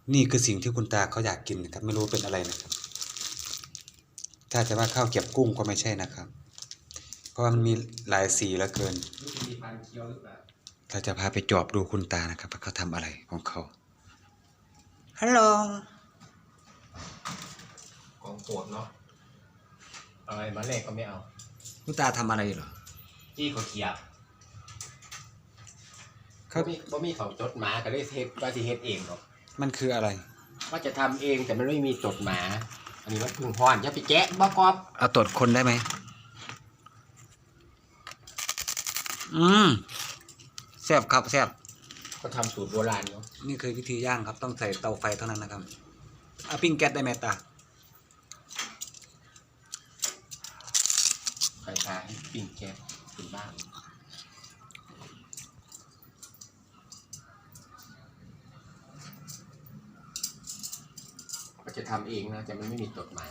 นี่คือสิ่งที่คุณตาเขาอยากกินนะครับไม่รู้เป็นอะไรนะครับถ้าจะว่าข้าวเกรียบกุ้งก็ไม่ใช่นะครับเพราะว่ามันมีหลายสีเหลือเกินเราจะพาไปจอบดูคุณตานะครับว่าเขาทำอะไรของเขาฮัลโหลของโปรดเนาะอะไรมาแรกก็ไม่เอาคุณตาทำอะไรเหรอจี้เขาเขียบเขาบ่มีเขาจดหมาก็เลยเทปว่าสิเฮ็ดเองหรอกมันคืออะไรว่าจะทำเองแต่มันไม่มีจดหมาอันนี้มันพึ่งพรอย่าไปแกะบ่กอบเอาตรวจคนได้ไหมแซ่บครับแซ่บก็ทำสูตรโบราณเนาะนี่คือวิธีย่างครับต้องใส่เตาไฟเท่านั้นนะครับเอาปิ้งแก๊สได้ไหมตาไฟฟ้าให้ปิ้งแก๊สเป็นบ้านก็จะทำเองนะแต่มันไม่มีจดหมาย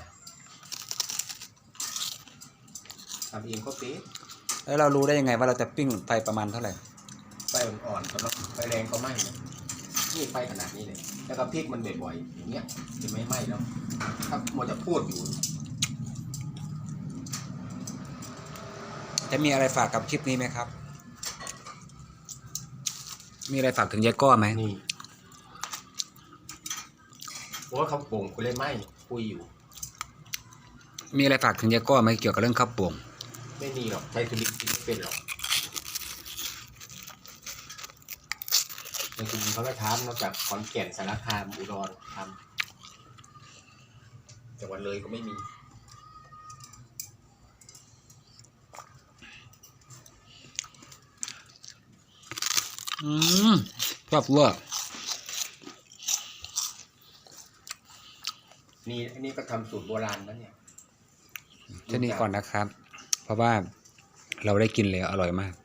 ทำเองก็เป๊ะแล้วเรารู้ได้ยังไงว่าเราจะปิ้งไฟประมาณเท่าไหร่ไฟอ่อนๆก็ต้องไฟแรงก็ไหม้นี่ไฟขนาดนี้เลยแล้วก็พริกมันบ่อยๆอย่างเงี้ยจะไม่ไหม้แล้วถ้ามัวจะพูดอยู่จะมีอะไรฝากกับคลิปนี้ไหมครับมีอะไรฝากถึงยายก้อไหมนี่เพราะว่าเขาโป่งกูเลยไหม้คุยอยู่มีอะไรฝากถึงยายก้อไหมเกี่ยวกับเรื่องข้าวโป่งไม่มีหรอกใช้ธุรกิจไม่เป็นหรอกในจริงเขาก็ทำนอกจากขอนแก่นสารคามอุดรทำจังหวัดเลยก็ไม่มีชอบเวอร์นี่อันนี้ก็ทำสูตรโบราณนะเนี่ยแค่นี้ก่อนนะครับเพราะว่าเราได้กินเลยอร่อยมาก